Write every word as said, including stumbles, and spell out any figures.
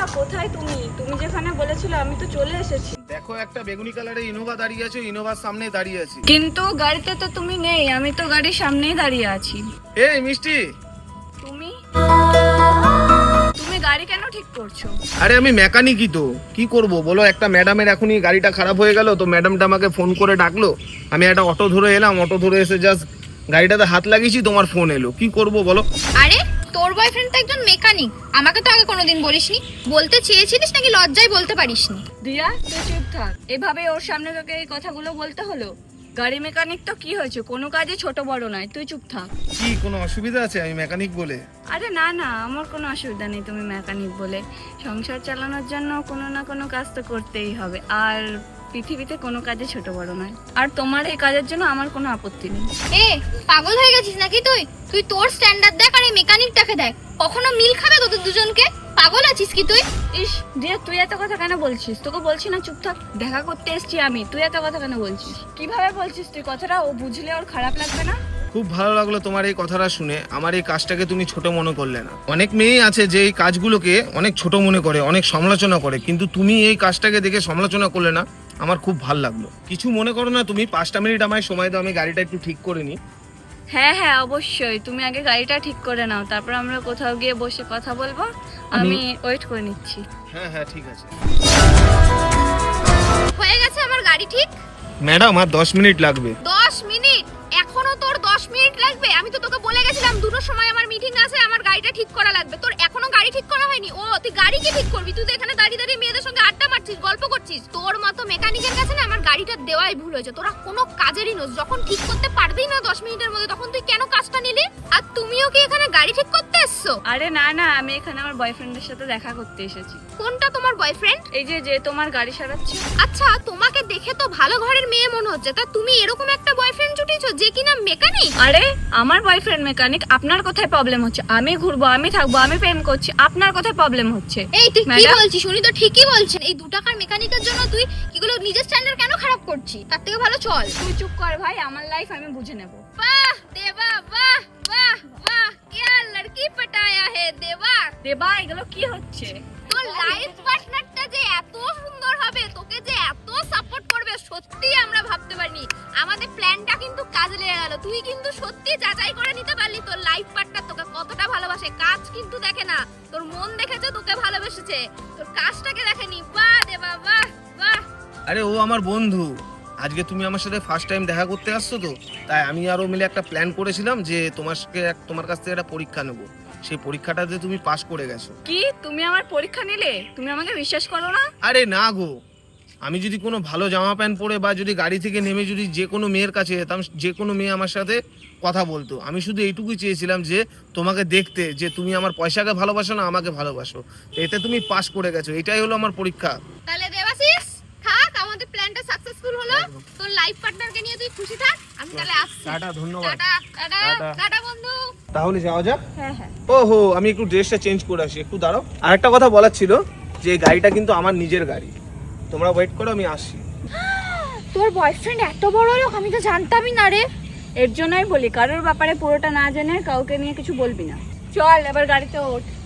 কোথায় তুমি? তুমি যেখানে বলেছিলে আমি তো চলে এসেছি। দেখো একটা বেগুনি কালারের ইনোভা দাঁড়িয়ে আছে, ইনোভার সামনে দাঁড়িয়ে আছি। কিন্তু গাড়িতে তো তুমি নেই, আমি তো গাড়ির সামনেই দাঁড়িয়ে আছি। এই মিষ্টি, তুমি তুমি গাড়ি কেন ঠিক করছো? আরে আমি মেকানিকই তো, কি করব বলো। একটা ম্যাডামের এখনই গাড়িটা খারাপ হয়ে গেল, তো ম্যাডামটা আমাকে ফোন করে ডাকলো, আমি একটা অটো ধরে এলাম। অটো ধরে এসে জাস্ট গাড়িটাতে হাত লাগিয়েছি, তোমার ফোন এলো। কি করব বলো। আরে তোর বয়ফ্রেন্ড তো একজন মেকানিক, আমাকে তো আগে কোনোদিন বলিসনি। বলতে চেয়েছিলিস নাকি লজ্জায় বলতে পারিসনি? দিয়া তুই চুপ থাক। এভাবে ওর সামনে তোকে এই কথাগুলো বলতে হলো? গাড়ি মেকানিক তো কি হয়েছে, কোনো কাজে ছোট বড় নয়, তুই চুপ থাক। কি কোনো অসুবিধা আছে আমি মেকানিক বলে? আরে না না, আমার কোনো অসুবিধা নেই তুমি মেকানিক বলে। সংসার চালানোর জন্য কোনো না কোনো কাজ তো করতেই হবে, আর পৃথিবীতে কোনো কাজে ছোট বড় নয়। আর তোমার এই কাজের জন্য আমার কোনো আপত্তি নেই। এ পাগল হয়ে গেছিস নাকি তুই? তুই তোর স্ট্যান্ডার্ড দেখ আর এই মেকানিকটাকে দেখ, কখনো মিল খাবে তোদের দুজনকে? পাগল আছিস কি তুই? ইস দিয়া, তুই এত কথা কেন বলছিস? তোকে বলছি না চুপ থাক, দেখা করতে এসছি আমি, তুই এত কথা কেন বলছিস? কিভাবে বলছিস তুই কথাটা? ও বুঝলে ওর খারাপ লাগবে না? খুব ভালো লাগলো তোমার এই কথাটা শুনে। আমার এই কাজটাকে তুমি ছোট মনে করলে না। অনেক মেয়ে আছে যে এই কাজগুলোকে অনেক ছোট মনে করে, অনেক সমালোচনা করে, কিন্তু তুমি এই কাজটাকে দেখে সমালোচনা করলে না, আমার খুব ভালো লাগলো। কিছু মনে করো না তুমি, পাঁচটা মিনিট আমায় সময় দাও, আমি গাড়িটা একটু ঠিক করে নিই। হ্যাঁ হ্যাঁ অবশ্যই, তুমি আগে গাড়িটা ঠিক করে নাও, তারপর আমরা কোথাও গিয়ে বসে কথা বলবো। আমি ওয়েট করে নিচ্ছি। হ্যাঁ হ্যাঁ ঠিক আছে। হয়ে গেছে আমার গাড়ি ঠিক। ম্যাডাম আর দশ মিনিট লাগবে। দশ মিনিট? এখনো তোর দশ মিনিট লাগবে? আমি তো তোকে বলে গেছিলাম দুটোর সময় আমার মিটিং আছে, আমার গাড়িটা ঠিক করা লাগবে। তোর এখনো গাড়ি ঠিক করা হয়নি? ও তুই গাড়ি কি ঠিক করবি? তুই তো এখানে দাঁড়িয়ে দাঁড়িয়ে মেয়েদের সঙ্গে আড্ডা মারছিস, গল্প করছিস। তোর মতো মেকানিকের কাছে না আমার গাড়িটা দেওয়াই ভুল হয়েছে। তোরা কোনো কাজেরই নোস, যখন ঠিক করতে পারবেই না দশ মিনিটের মধ্যে, তখন তুই কেন কাজটা নিলি? আর তুমিও কি এখানে গাড়ি ঠিক করতে এসছো? আরে না না, আমি এখানে আমার বয়ফ্রেন্ডের সাথে দেখা করতে এসেছি। কোনটা তোমার বয়ফ্রেন্ড? এই যে যে তোমার গাড়ি সারাচ্ছে। আচ্ছা, তোমাকে দেখে তো ভালো ঘরের মেয়ে মনে হচ্ছে, তা তুমি এরকম একটা বয়ফ্রেন্ড জুটিয়েছো যে কিনা মেকানিক? আরে আমার বয়ফ্রেন্ড মেকানিক, আপনার কোথায় প্রবলেম হচ্ছে? আমি ঘুরবো, আমি থাকবো, আমি প্রেম করছি, আপনার কোথায় প্রবলেম হচ্ছে? এই তুই কি ম্যাডাম? বলছিস? উনি তো ঠিকই বলছেন। এই দু টাকার মেকানিকের জন্য তুই কিগুলো নিজের স্ট্যান্ডার্ড কেন খারাপ করছিস? তার থেকে ভালো চল। তুই চুপ কর ভাই, আমার লাইফ আমি বুঝে নেব। বাহ দেবা, বাহ বাহ বাহ, क्या लड़की पटाया है देवा। দেবা, এগুলো কি হচ্ছে? তোর লাইফ পার্টনারটা যে এত সুন্দর হবে, তোকে যে এত সাপোর্ট করবে, সত্যি আমরা ভাবতে পারিনি। আমাদের প্ল্যানটা কিন্তু কাজে লেগে গেল। তুই কিন্তু সত্যি যাচাই করে নিতে পারলি তোর লাইফ পার্টনার তোকে কতটা ভালোবাসে। কাজ কিন্তু দেখে না, তোর মন দেখেছে, তোকে ভালোবেসেছে, তোর কাজটাকে দেখেনি। বাহ দেবা, বাহ বাহ। আরে ও আমার বন্ধু, আজকে তুমি আমার সাথে ফার্স্ট টাইম দেখা করতে আসছো, তো তাই আমি আরো মিলে একটা প্ল্যান করেছিলাম যে তোমাকে তোমার কাছ থেকে একটা পরীক্ষা নেব। সেই পরীক্ষাটাতে তুমি পাশ করে গেছো। কি তুমি আমার পরীক্ষা নিলে? তুমি আমাকে বিশ্বাস করো না? আরে না গো, আমি যদি কোনো ভালো জামা প্যান্ট পরে বা যদি গাড়ি থেকে নেমে যদি যে কোনো মেয়ের কাছে যেতাম, যে কোনো মেয়ে আমার সাথে কথা বলতো। আমি শুধু এইটুকুই চেয়েছিলাম যে তোমাকে দেখতে, যে তুমি আমার পয়সাকে ভালোবাসো না আমাকে ভালোবাসো। এতে তুমি পাস করে গেছো, এটাই হলো আমার পরীক্ষা। তাহলে দেবাশিস থাক, আমাদের প্ল্যানটা সাকসেসফুল হলো। তোর লাইফ পার্টনারকে নিয়ে তুই খুশি থাক। আমি তাহলে আসছি। টাটা, ধন্যবাদ। Tata tata tata. টাটা বন্ধু। তাহলে যাওয়া যাক। হ্যাঁ হ্যাঁ। ওহো, আমি একটু ড্রেসটা চেঞ্জ করে আসি, একটু দাঁড়াও। আর একটা কথা বলার ছিল যে এই গাড়িটা কিন্তু আমার নিজের গাড়ি, তোমরা ওয়েট করো, আমি আসছি। তোর বয়ফ্রেন্ড এত বড় লোক, আমি তো জানতামই না রে। এর জন্যই বলি, কারোর ব্যাপারে পুরোটা না জেনে কাউকে নিয়ে কিছু বলবি না। চল এবার গাড়িতে ওঠ।